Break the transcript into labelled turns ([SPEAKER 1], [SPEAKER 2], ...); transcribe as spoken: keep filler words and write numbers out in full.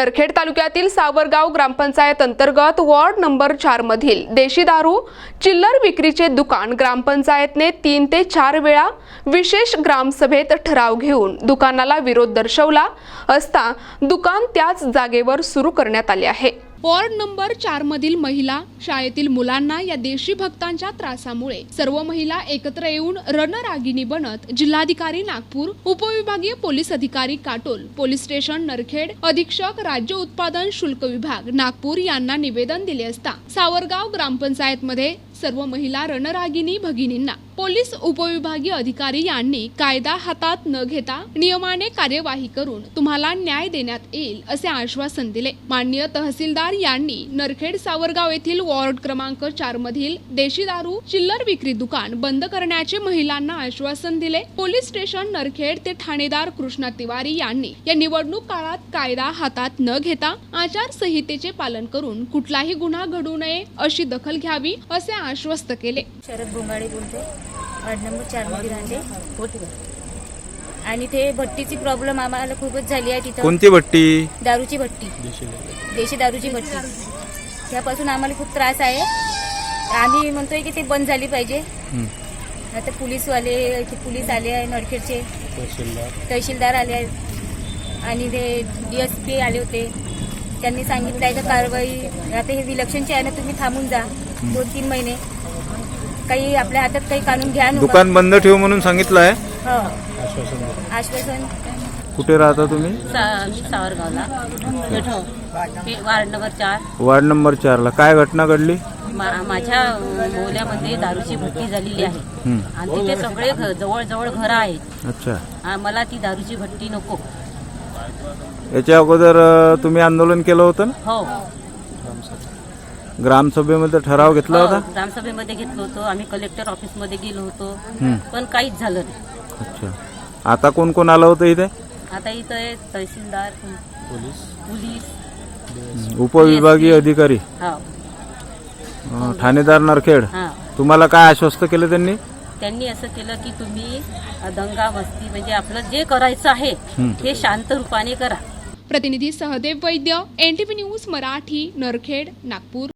[SPEAKER 1] नरखेड तालुक्यातील सावरगाव ग्रामपंचायत अंतर्गत ward number चार मधील देशी दारू चिल्लर विक्रीचे दुकान ग्रामपंचायतने तीन ते चार वेळा विशेष ग्रामसभेत ठराव घेऊन दुकानाला विरोध दर्शवला असता दुकान त्याच जागेवर सुरू करण्यात आले आहे। वॉर्ड नंबर चार मधील महिला, शाळेतील मुलांना या देशी भक्तांच्या त्रासामुळे सर्व महिला एकत्र येऊन रणरागिणी बनत जिल्हाधिकारी नागपूर, उपविभागीय पोलीस अधिकारी काटोल, पोलीस स्टेशन नरखेड, अधीक्षक राज्य उत्पादन शुल्क विभाग नागपूर यांना निवेदन दिले असता सावरगाव ग्रामपंचायत मध्ये सर्व महिला रणरागिणी भगिनींना पोलीस उपविभागीय अधिकारी यांनी कायदा हातात न घेता नियमाने कार्यवाही करून तुम्हाला न्याय देण्यात येईल असे आश्वासन दिले। माननीय तहसीलदार यांनी नरखेड सावरगाव येथील वॉर्ड क्रमांक चार मधील देशी दारू चिल्लर विक्री दुकान बंद करण्याचे महिलांना आश्वासन दिले। पोलीस स्टेशन नरखेड ते ठाणेदार कृष्णा तिवारी यांनी या निवडणूक काळात कायदा हातात न घेता आचारसंहितेचे पालन करून कुठलाही गुन्हा घडू नये अशी दखल घ्यावी असे आश्वस्त केले।
[SPEAKER 2] शरद बोंगाडे बोलते, वार्ड नंबर चार मध्ये राहते आणि ते भट्टीची प्रॉब्लेम आम्हाला खूपच झाली आहे। तिथं
[SPEAKER 3] कोणती भट्टी?
[SPEAKER 2] दारूची भट्टी, देशी दारूची भट्टी। त्यापासून आम्हाला खूप त्रास आहे। आम्ही म्हणतोय की ते बंद झाली पाहिजे। आता पोलीसवाले इथे पोलीस आले आहे, नरखेडचे तहसीलदार आले आहेत आणि ते डीएसपी आले होते। त्यांनी सांगितलं आहे का कारवाई आता हे विलक्षणचे आहे ना, तुम्ही थांबून जा दोन तीन महिने, काही आपल्या हातात काही काढून घ्या।
[SPEAKER 3] दुकान बंद ठेव म्हणून सांगितलं आहे।
[SPEAKER 2] हो, आश्वासन।
[SPEAKER 3] कुठे राहता तुम्ही?
[SPEAKER 4] सावरगावला, वार्ड नंबर चार।
[SPEAKER 3] वार्ड नंबर चार ला काय घटना घडली?
[SPEAKER 4] माझ्या मोहल्ल्यामध्ये दारूची भट्टी झालेली आहे आणि तिथे सगळे जवळ जवळ घर आहेत।
[SPEAKER 3] अच्छा,
[SPEAKER 4] मला ती दारूची भट्टी नको।
[SPEAKER 3] याच्या अगोदर तुम्ही आंदोलन केलं होतं ना?
[SPEAKER 4] हो,
[SPEAKER 3] ग्रामसभेमध्ये ठराव घेतला होता?
[SPEAKER 4] ग्रामसभेमध्ये घेतलो होतो आम्ही, कलेक्टर ऑफिस मध्ये गेलो होतो पण काहीच झालं नाही।
[SPEAKER 3] अच्छा, आता कोण कोण आलं होतं इथे?
[SPEAKER 4] आता इथं तहसीलदार, पोलीस,
[SPEAKER 3] उपविभागीय अधिकारी, ठाणेदार नरखेड। तुम्हाला काय आश्वस्त केलं त्यांनी?
[SPEAKER 4] त्यांनी असं केलं की तुम्ही दंगा मस्ती म्हणजे आपलं जे करायचं आहे हे शांत रूपाने करा।
[SPEAKER 1] प्रतिनिधी सहदेव वैद्य, एनटीव्ही न्यूज मराठी, नरखेड, नागपूर।